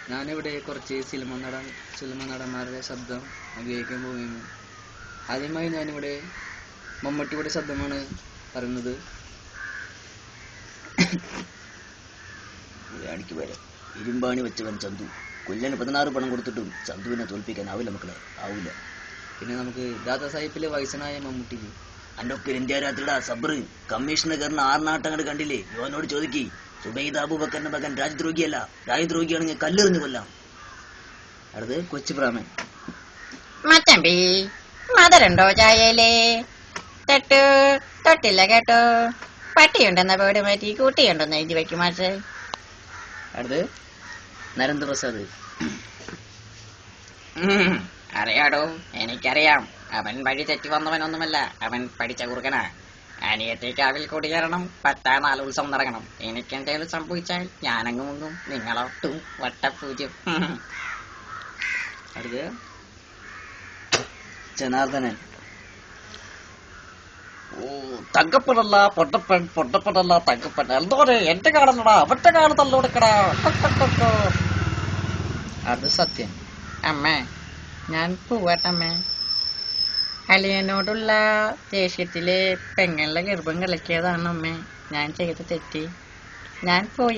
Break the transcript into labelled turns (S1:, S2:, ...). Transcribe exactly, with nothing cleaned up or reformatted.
S1: ഞാനിവിടെ കുറച്ച് സിനിമ നടൻ സിനിമ നടന്മാരുടെ ശബ്ദം ഉപയോഗിക്കാൻ പോവുകയാണ്. ആദ്യമായി ഞാനിവിടെ മമ്മൂട്ടിയുടെ ശബ്ദമാണ് പറയുന്നത്.
S2: അടിക്ക് വരാം. ഇരുമ്പാണി വെച്ചവൻ ചന്തു. കൊല്ലന് പതിനാറ് പണം കൊടുത്തിട്ടും ചന്തുവിനെ തോൽപ്പിക്കാനാവില്ല മക്കളെ, ആവില്ല.
S1: പിന്നെ നമുക്ക് ദാദാ സാഹിബിലെ വയസ്സനായ മമ്മൂട്ടി.
S2: അണ്ടൊക്കെ ഇന്ത്യ രാത്രിയുടെ സബറ് കമ്മീഷണർന്ന് ആറിനാട്ടങ്ങട് കണ്ടില്ലേ? യോനോട് ചോദിക്കി. സുബൈദ അബൂബക്കറിന്റെ മകൻ രാജ്ദ്രോഹിയല്ല, രാജ്ദ്രോഹിയാണെങ്കിൽ കല്ലെറിഞ്ഞു കൊല്ലാം.
S1: അടുത്ത് കൊച്ചു പ്രാമൻ.
S3: മച്ചമ്പി മധുരണ്ടോ ചായയിലേ? തൊട്ടു തൊട്ടില്ല കേട്ടോ. പട്ടിയുണ്ടെന്ന പേട് മാറ്റി കൂട്ടിയുണ്ടെന്ന് എഴുതി വയ്ക്കും മാഷേ.
S1: അടുത്ത് നരേന്ദ്രപ്രസാദ്.
S3: അറിയാടോ, എനിക്കറിയാം. അവൻ വഴി തെറ്റി വന്നവനൊന്നുമല്ല, അവൻ പഠിച്ച കുറുക്കനാ. അനിയത്തേക്ക് അവൽ കുടിയേറണം, പത്താ നാല് ഉത്സവം നടക്കണം. എനിക്കെന്തേലും സംഭവിച്ചാൽ ഞാനങ്ങ് മുങ്ങും, നിങ്ങളൊട്ടും വട്ടപ്പൂജ്യം.
S1: അടുത്ത് ജനാർദ്ദനൻ.
S4: ഓ തങ്കപ്പനല്ല പൊട്ടപ്പൻ, പൊട്ടപ്പനല്ല തങ്കപ്പൻ. എന്തോരെ എന്റെ കാണല്ലടാ, അവന്റെ കാണ് തള്ളോടുക്കടാ.
S1: അടുത്ത് സത്യൻ.
S3: അമ്മേ, ഞാൻ പോവാട്ടമ്മേ. അലിയനോടുള്ള ദേഷ്യത്തില് പെങ്ങളുടെ ഗർഭം കളിക്കിയതാണ് അമ്മേ. ഞാൻ ചെയ്ത തെറ്റി. ഞാൻ പോയി.